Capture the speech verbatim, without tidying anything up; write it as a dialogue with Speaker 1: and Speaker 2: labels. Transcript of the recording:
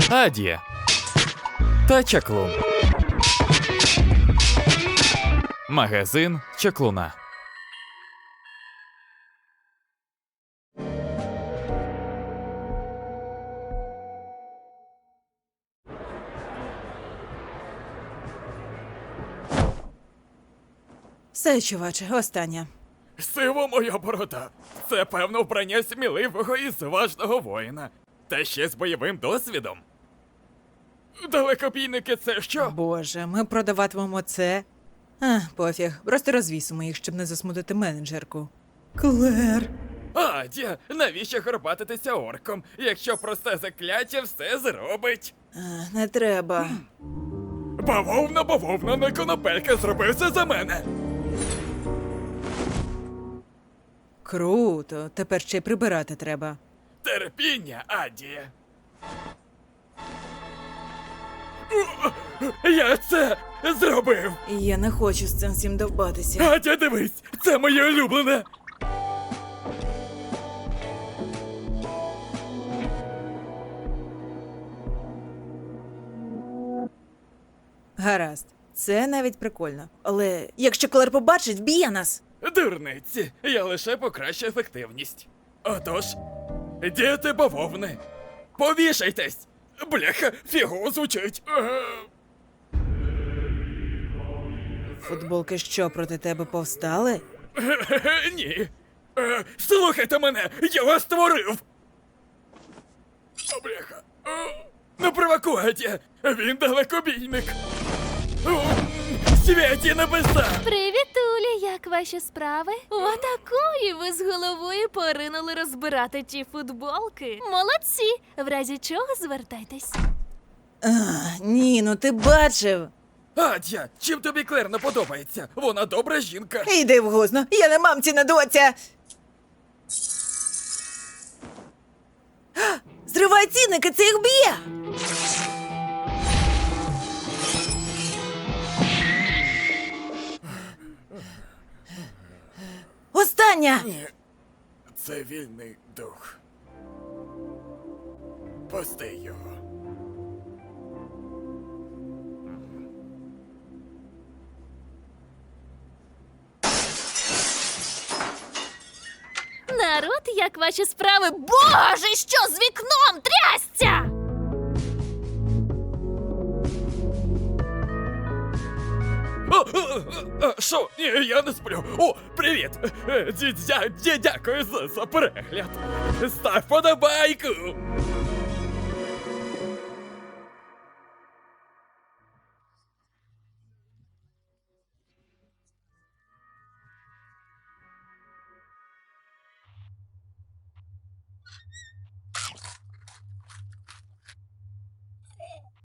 Speaker 1: Адія та Чаклун. Магазин Чаклуна.
Speaker 2: Все, чуваче, останнє.
Speaker 3: Сива моя борода. Це, певно, вбрання сміливого і зважного воїна. Та ще з бойовим досвідом. Далекобійники це що?
Speaker 2: Боже, ми продаватимемо це. А, пофіг, просто розвісимо їх, щоб не засмутити менеджерку. Клер.
Speaker 3: Адя, навіщо горбатитися орком, якщо просте закляття все зробить?
Speaker 2: А, не треба.
Speaker 3: Бавовна, бавовна, не конопелька зробив це за мене.
Speaker 2: Круто, тепер ще й прибирати треба.
Speaker 3: Терпіння, Адія. Я це зробив.
Speaker 2: Я не хочу з цим всім довбатися.
Speaker 3: Адя, дивись, це моє улюблене.
Speaker 2: Гаразд, це навіть прикольно. Але якщо Клер побачить, вб'є нас.
Speaker 3: Дурниці, я лише покращу ефективність. Отож, діти бавовни, повішайтесь! Бляха, фігово звучить. Е,
Speaker 2: Футболки що, проти тебе повстали?
Speaker 3: е, Ні. Е, Слухайте мене, я вас створив! О, бляха. Е, Не провокуйте, він далекобійник. О, святі небеса!
Speaker 4: Привіт, Уля, як ваші справи? Отакої ви з головою поринули розбирати ті футболки. Молодці! В разі чого звертайтесь.
Speaker 2: А, ні, ну ти бачив.
Speaker 3: Адя, чим тобі Клер не подобається? Вона добра жінка.
Speaker 2: Йди в гузно, я не мамці, не доця. А, зривай цінники, це їх б'є. Остання!
Speaker 3: Ні, це вільний дух. Пусти його.
Speaker 4: Народ, як ваші справи? Боже, що з вікном трясця?
Speaker 3: О, о, о, о, Що? Ні, я не сплю. О, привіт! Е, дя- дя- дя- Дякую за, за перегляд. Став подобайку.